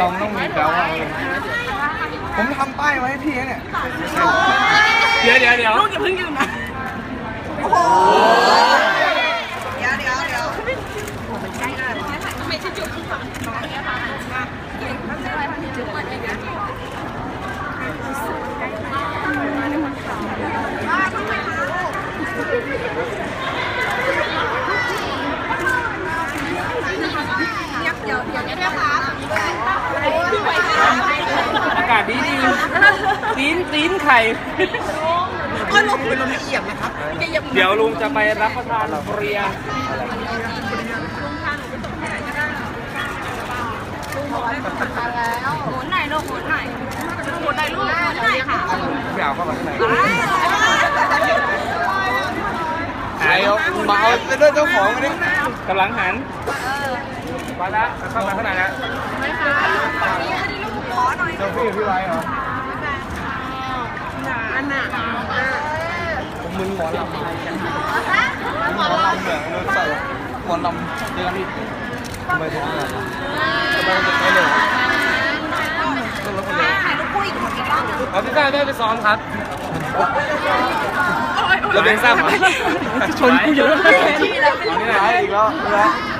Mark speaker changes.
Speaker 1: เราต้องมีแปลว่าผมทำป้ายไว้ให้พี่เนี่ยเดี๋ยวลูกอย่าเพิ่งยืนนะโอ้โหเดี๋ยวไม่ใช่จุดที่ฝังน้องเนี่ยค่ะไม่ใช่อะไรที่จุดเองนะอากาศดีตีนไข่ก็ลงเป็นลมละเอียดนะครับเดี๋ยวลุงจะไปรับประทานเรียหมุนหน่อยลูกหมุนหน่อยลูกค่ะพี่เอาเข้ามาข้างในมาเอาไปด้วยเจ้าของมาดิกำลังหันมาแล้วเข้ามาข้างในแล้วเจ้าพี่ไว้เหรอผมมึนหมอลำหมอลำแบบใส่หมอลำเดือนนี้ทำไมถึงอะไรทำไมถึงไม่เลยเอาพี่ก้าได้ไปซ้อมครับเราเป็นซ้ำชนกูเยอะนี่แหละอีกแล้ว